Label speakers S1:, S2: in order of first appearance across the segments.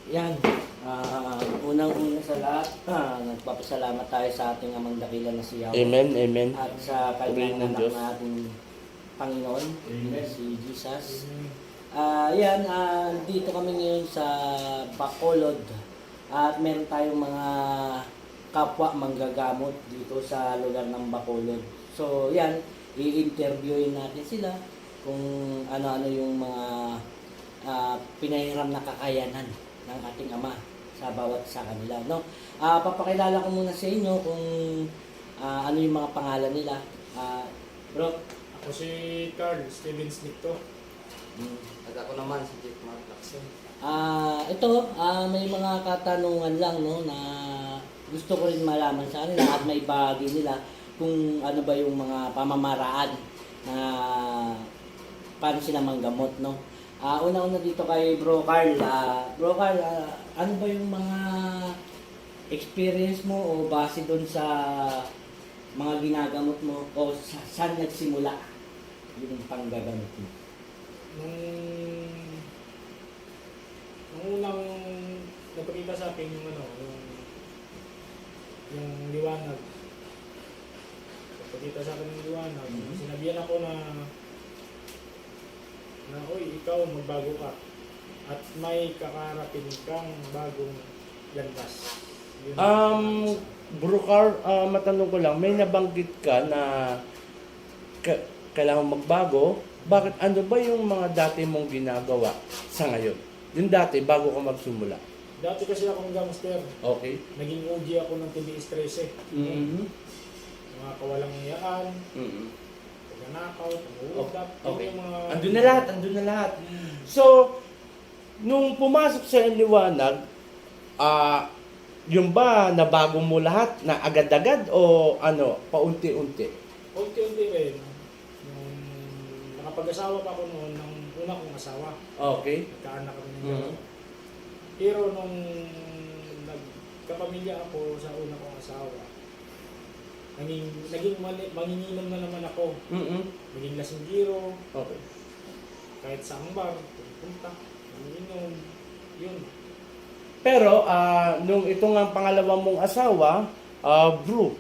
S1: Yan. Unang-una sa lahat, nagpapasalamat tayo sa ating amang dakila na si Yahweh.
S2: Amen, amen.
S1: At sa
S2: Purihin
S1: kanyang
S2: ng
S1: anak
S2: Diyos.
S1: na ating Panginoon,
S3: Amen.
S1: si Jesus. Yan, dito kami ngayon sa Bacolod. At meron tayong mga kapwa manggagamot dito sa lugar ng Bacolod. So, yan, i-interviewin natin sila kung ano-ano yung mga pinahiram na kakayanan ng ating Ama sa bawat sa kanila, no? Papakilala ko muna sa inyo kung ano yung mga pangalan nila. Bro.
S3: Ako si Carl Steven Snicto.
S4: At ako naman si Jeff Mark Lacson.
S1: Ito, may mga katanungan lang, no, na gusto ko rin malaman sa kanila at may bahagi nila kung ano ba yung mga pamamaraan na paano sila manggamot, no. Una-una dito kay Bro Carl. Bro Carl, ano ba yung mga experience mo o base doon sa mga ginagamot mo o saan nagsimula yung panggagamot mo?
S3: Nung unang nagpakita sa akin yung yung liwanag. Nagpakita sa akin yung liwanag. Sinabihan ako na oy, ikaw magbago ka at may kakarapin kang bagong landas. Yun
S2: Bro Carl, matanong ko lang, may nabanggit ka na kailangan magbago. Bakit? Ano ba yung mga dati mong ginagawa sa ngayon? Yung dati, bago ka magsimula.
S3: Dati kasi ako ng gangster.
S2: Okay.
S3: Naging OG ako ng TBS 13.
S2: Mm-hmm.
S3: Mga kawalang iyaan,
S2: Mm-hmm.
S3: pagnanakaw, pang-uudap,
S2: Okay.
S3: yung mga...
S2: Andun na lahat. So, nung pumasok sa liwanag, yung ba nabago mo lahat na agad-agad o ano, paunti-unti?
S3: Unti-unti rin. Nung nakapag-asawa pa ako noon ng una kong asawa.
S2: Okay.
S3: Nagkaanak kami ng
S2: Mhm.
S3: dalawa. Pero nung nagkapamilya ako sa una kong asawa, naging manginginom na naman ako.
S2: Mm-hmm.
S3: Naging lasinggiro,
S2: Okay.
S3: kahit sa bar, pupunta, manginginom, yun.
S2: Pero, nung ito nga ang pangalawa mong asawa, bro,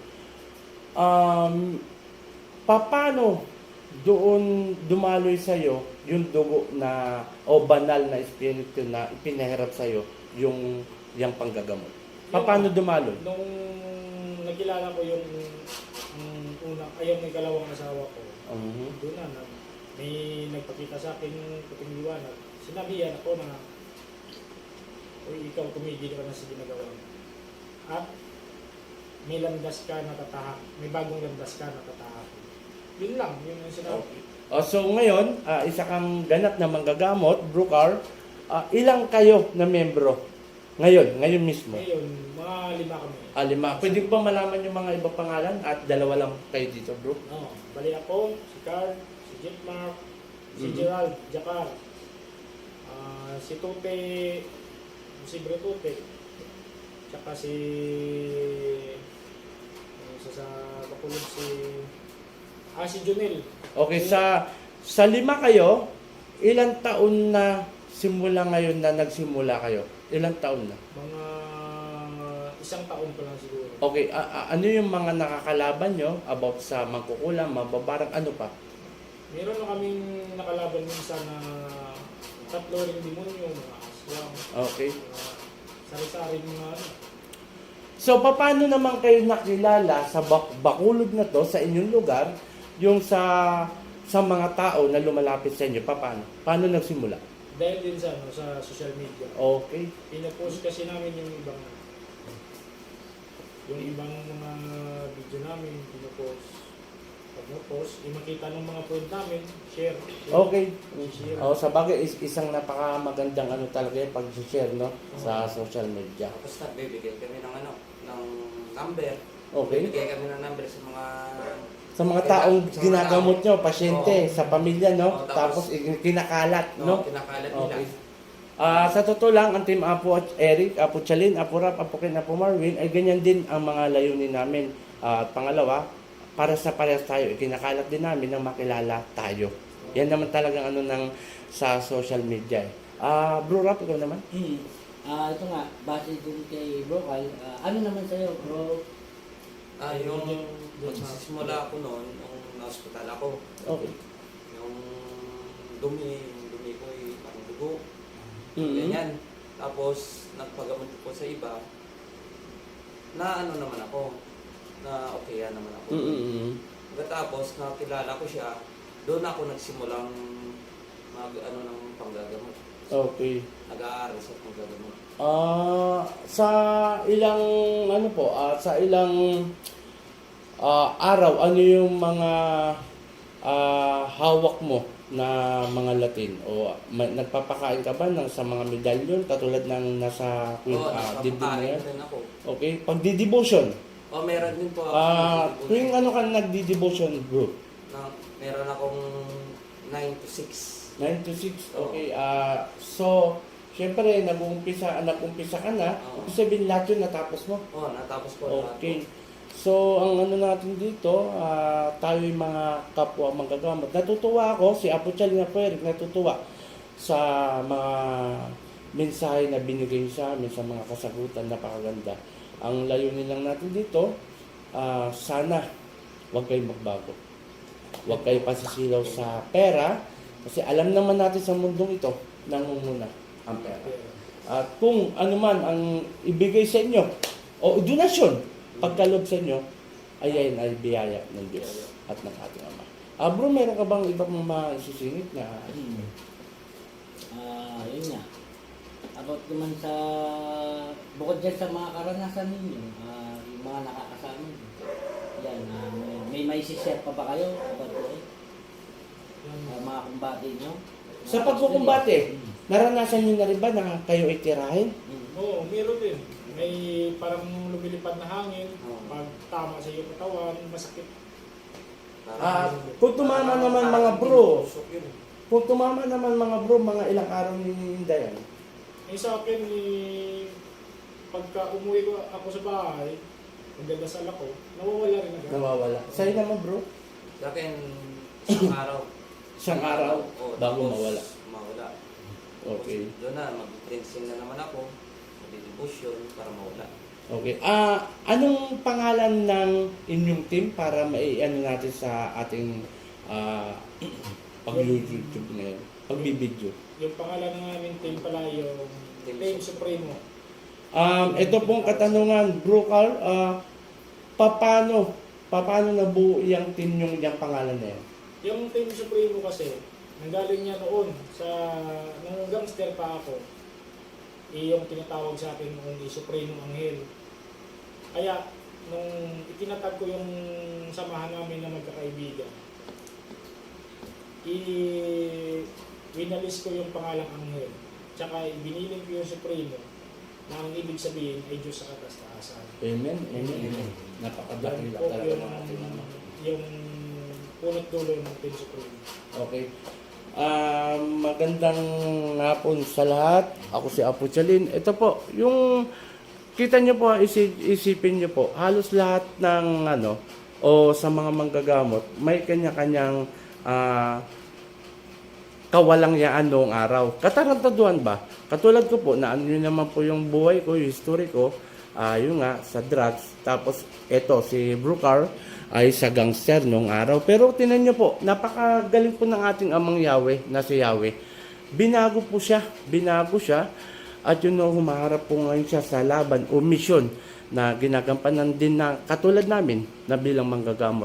S2: paano doon dumaloy sa'yo yung dugo na, o banal na espiritu na ipinahirap sa'yo yung panggagamot? Paano dumaloy?
S3: Nung nakilala ko yung yung ikalawang asawa ko, doon na, may nagpakita sa akin yung puting liwanag. Sinabihan ako na, uy, ikaw tumigil ka na sa ginagawa mo. At may landas ka na tatahak. May bagong landas ka na tatahak. Yun lang, yun yung sinabi.
S2: So ngayon, isa kang ganap na manggagamot, Bro Carl. Ilang kayo na membro? Ngayon mismo?
S3: Ngayon, mga 5 kami.
S2: 5. Pwede ko ba malaman yung mga ibang pangalan? At 2 lang kayo dito, bro?
S3: No, bali ako, si Carl, si Jeff Mark, si Gerald, Jakar, si Tute, si Bro Tute, tsaka si sa Bacolod si Junel.
S2: Okay, sa 5 kayo, ilang taon na simula ngayon na nagsimula kayo? Ilang taon na?
S3: Mga 1 taon pa lang siguro.
S2: Okay, ano yung mga nakakalaban nyo about sa mangkukulam, mababarang, ano pa?
S3: Meron na kaming nakalaban minsan na 3 ring demonyo, mga aswang,
S2: Okay.
S3: mga sari-saring mga ano.
S2: So, paano naman kayo nakilala sa Bacolod na to, sa inyong lugar, yung sa mga tao na lumalapit sa inyo? Paano nagsimula?
S3: Dahil din sa social media.
S2: Okay.
S3: Pinapost kasi namin yung ibang mga video namin, pinapost. Pag na-post, makita ng mga friend namin, share.
S2: Okay.
S3: Share.
S2: Sa bagay, isang napakamagandang ano talaga yung pag-share, no? Sa social media.
S4: Tapos nagbibigay kami ng ng number.
S2: Okay.
S4: Bibigay kami ng number sa mga
S2: Sa mga taong
S4: sa mga
S2: ginagamot
S4: tao.
S2: nyo, pasyente,
S4: Oo.
S2: sa pamilya, no?
S4: Oo, tapos-
S2: Tapos kinakalat, no?
S4: kinakalat nila.
S2: Okay. Sa totoo lang, ang team Apo Eric, Apo Chalin, Apo Rap, Apo Ken, Apo Marvin, ay ganyan din ang mga layunin namin. At pangalawa, para sa parehas tayo, ikinakalat din namin na makilala tayo. Yan naman talagang ano ng sa social media. Bro Rap, ikaw naman?
S1: Ito nga, base dun kay Bro Kyle, ano naman sa'yo, bro?
S4: Yung magsisimula ako noon, nung na-hospital ako,
S2: Okay.
S4: yung dumi ko ay parang dugo,
S2: Mm-hmm.
S4: ganyan. Tapos, nagpagamot ko sa iba, na ano naman ako, na okay naman ako.
S2: Mm-hmm.
S4: Pagkatapos, nakilala ko siya, doon ako nagsimulang mag-ano ng panggagamot.
S2: Okay.
S4: Nag-aaral sa panggagamot.
S2: Sa ilang sa ilang araw, ano yung mga hawak mo na mga Latin? O nagpapakain ka ba sa mga medalyon katulad ng nasa dibdib na
S4: nakapakain
S2: yan?
S4: din ako.
S2: Okay, pagdi-devotion.
S4: Meron din po ako.
S2: Tuwing ano ka nagdi-devotion, bro?
S4: Meron akong 9 to 6.
S2: 9 to 6. Okay. So, syempre, nag-umpisa ka na.
S4: Oo.
S2: Ibig sabihin lahat yun natapos mo.
S4: Natapos ko lahat.
S2: Okay. So, ang ano natin dito, tayo yung mga kapwa manggagamot. Natutuwa ako, si Apo Chalin Apo Eric, natutuwa sa mga mensahe na binigay sa amin, sa mga kasagutan, napakaganda. Ang layunin lang natin dito, sana huwag kayong magbago. Huwag kayo pasisilaw sa pera, kasi alam naman natin sa mundong ito, nangunguna ang pera. At kung ano man ang ibigay sa inyo, o donasyon, pagkalob sa inyo, ayan ay biyaya ng Diyos at ng ating Ama. Bro, meron ka bang ibang maisisingit na?
S1: Yun nga. About naman sa, bukod dyan sa mga karanasan ninyo, yung mga nakakasama nyo. Yan, may maisishare pa ba kayo about doon? Mga kumbate nyo?
S2: Sa pagkukumbate, naranasan niyo na rin ba na kayo ay tirahin?
S3: Oo, meron din. May parang lumilipad na hangin,
S4: Oo.
S3: pag tama sa iyong katawan, masakit.
S2: Kung tumama naman mga bro,
S4: Tusok yun.
S2: kung tumama naman mga bro, mga ilang araw nininda yan.
S3: Sa akin, pagka umuwi ko ako sa bahay, magdadasal ako, nawawala rin agad.
S2: Nawawala. Sa'yo naman bro,
S4: Sa akin, isang araw.
S2: isang araw
S4: Oo,
S2: bago
S4: tapos
S2: mawala.
S4: Mawala.
S2: Okay.
S4: Doon na, mag-cleansing na naman ako. Mag-devotion para mawala.
S2: Okay. Anong pangalan ng inyong team para maiano natin sa ating pag-YouTube ngayon? Pagbibideo.
S3: Yung pangalan ng aming team pala yung Team Supremo.
S2: Ito pong katanungan, Bro Carl, paano nabuo yung team yung pangalan na yan?
S3: Yung Team Supremo kasi, nanggaling niya noon nung gangster pa ako. Yung tinatawag sa akin noon Supremo Anghel. Kaya, nung itinatag ko yung samahan namin na magkakaibigan, winalis ko yung pangalang Anghel. Tsaka biniling ko yung Supremo na ang ibig sabihin ay Diyos sa katastaasan.
S2: Amen. Amen. Napakadakila
S3: Yan po
S2: talaga ng ating Ama.
S3: yung punot dulo ng Team Supremo.
S2: Okay. Magandang hapon sa lahat. Ako si Apo Chalin. Ito po, yung kita nyo po, isipin nyo po, halos lahat ng o sa mga manggagamot, may kanya-kanyang kawalangyaan noong araw. Katarantaduhan ba? Katulad ko po, na yun naman po yung buhay ko, yung history ko, yun nga, sa drugs. Tapos, eto, si Brucar ay sa gangster noong araw. Pero tinan nyo po, napakagaling po ng ating amang Yahweh, na si Yahweh. Binago siya, at yun no, humaharap po ngayon siya sa laban o misyon na ginagampanan din na katulad namin na bilang manggagamot.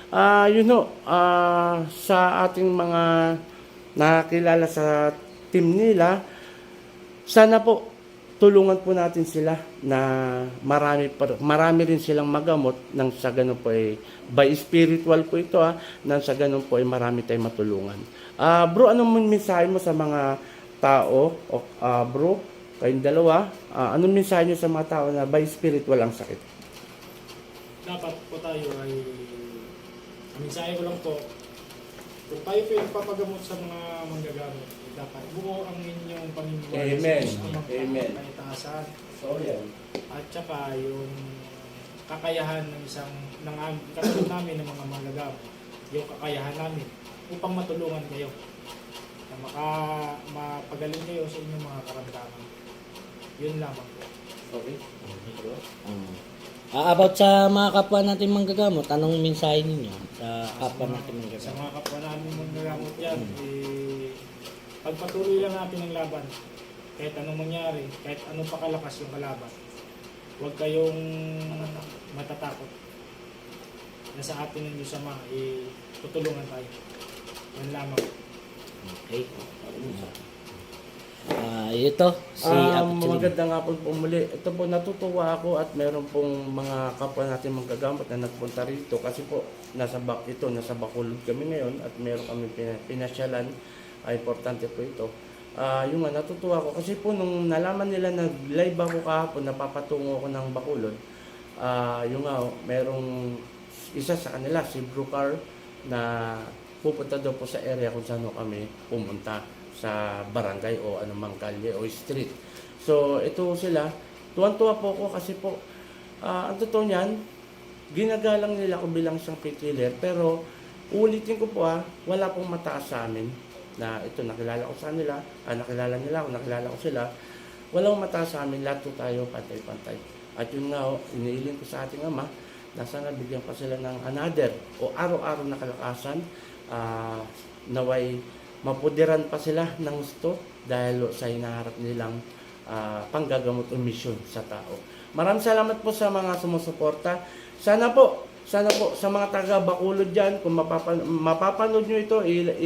S2: Sa ating mga nakakilala sa team nila, sana po tulungan po natin sila na marami rin silang magamot nang sa ganun po ay by spiritual po ito nang sa ganun po ay marami tayong matulungan. Bro, anong mensahe mo sa mga tao bro, kayong dalawa, anong mensahe nyo sa mga tao na by spiritual ang sakit?
S3: Dapat po tayo ay, ang mensahe ko lang po, kung tayo po yung papagamot sa mga manggagamot, dapat buo ang inyong paniniwala
S2: Amen.
S3: sa Diyos
S2: Amen.
S3: ang kaitaasan.
S2: So, yan.
S3: At saka yung kakayahan ng katulad namin ng mga manggagamot, yung kakayahan namin upang matulungan kayo na mapagaling kayo sa inyong mga karamdaman. Yun lamang po.
S2: Okay.
S1: About sa mga kapwa natin manggagamot, anong mensahe ninyo sa kapwa natin
S3: Sa
S1: manggagamot?
S3: mga kapwa namin manggagamot yan, pagpatuloy lang natin ang laban. Kahit anong mangyari, kahit anong pakalakas yung kalaban. Huwag kayong matatakot. Nasa atin ng Diyos Ama, tutulungan tayo. Yan lamang.
S1: Okay. Ito, si Apo Chalin.
S2: Magandang hapon po muli. Ito po, natutuwa ako at meron pong mga kapwa natin manggagamot na nagpunta rito kasi po nasa Bacolod kami ngayon at meron kami pinasyalan. Importante po ito. Yung nga, natutuwa ako kasi po nung nalaman nila na live ako kahapon, napapatungo ako ng Bacolod, yung nga, merong isa sa kanila, si Brucar, na pupunta daw po sa area kung saan kami pumunta sa barangay o anumang kalye o street. So, ito sila. Tuwan-tuwa po ako kasi po, ang totoo niyan, ginagalang nila ako bilang isang pet healer. Pero, ulitin ko po wala pong mataas sa amin na ito, nakilala ko sa nila, nakilala nila ako, nakilala ko sila. Walang mataas sa amin, lahat po tayo pantay-pantay. At yun nga, iniiling ko sa ating Ama, na sana bigyan pa sila ng another o araw-araw na kalakasan, naway mapudiran pa sila ng gusto dahil sa hinaharap nilang panggagamot o misyon sa tao. Maraming salamat po sa mga sumusuporta. Sana po sa mga taga Bacolod dyan, kung mapapanood nyo ito,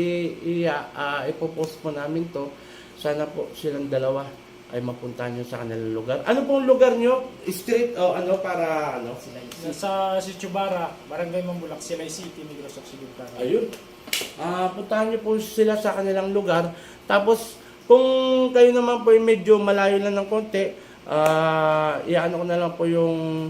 S2: ipopost po namin to. Sana po silang dalawa ay mapuntahan nyo sa kanilang lugar. Ano pong lugar nyo? Street o ano para ano?
S3: Sa Chubara, Barangay Mambulak, Silay City, Negros Occidental.
S2: Ayun. Puntahan nyo po sila sa kanilang lugar. Tapos, kung kayo naman po ay medyo malayo lang ng konti, iano ko na lang po yung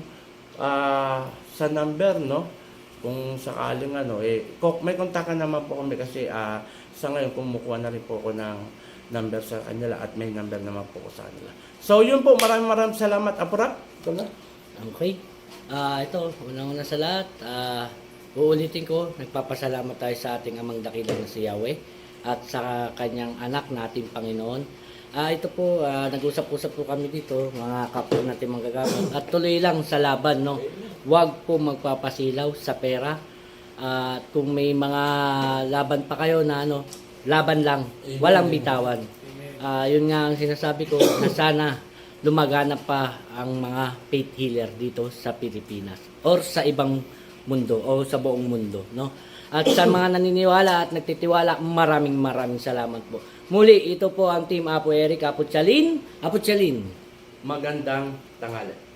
S2: sa number, no? Kung sakaling may kontakan naman po kami kasi sa ngayon kumukuha na rin po ako ng number sa kanila at may number naman po ko sa kanila. So, yun po. Maraming salamat. Apurap. Ito na.
S1: Okay. Ito, unang-una sa lahat, uulitin ko, nagpapasalamat tayo sa ating amang dakilang na si Yahweh at sa kanyang anak nating Panginoon. Ito po, nag-usap-usap po kami dito, mga kapwa natin manggagamot. At tuloy lang sa laban, no? Huwag po magpapasilaw sa pera. At kung may mga laban pa kayo na laban lang, walang bitawan. Yun nga ang sinasabi ko, na sana lumaganap pa ang mga faith healer dito sa Pilipinas or sa ibang mundo o sa buong mundo, no? At sa mga naniniwala at nagtitiwala, maraming salamat po. Muli, ito po ang Team Apo Eric, Apo Chalin.
S2: Magandang tanghali.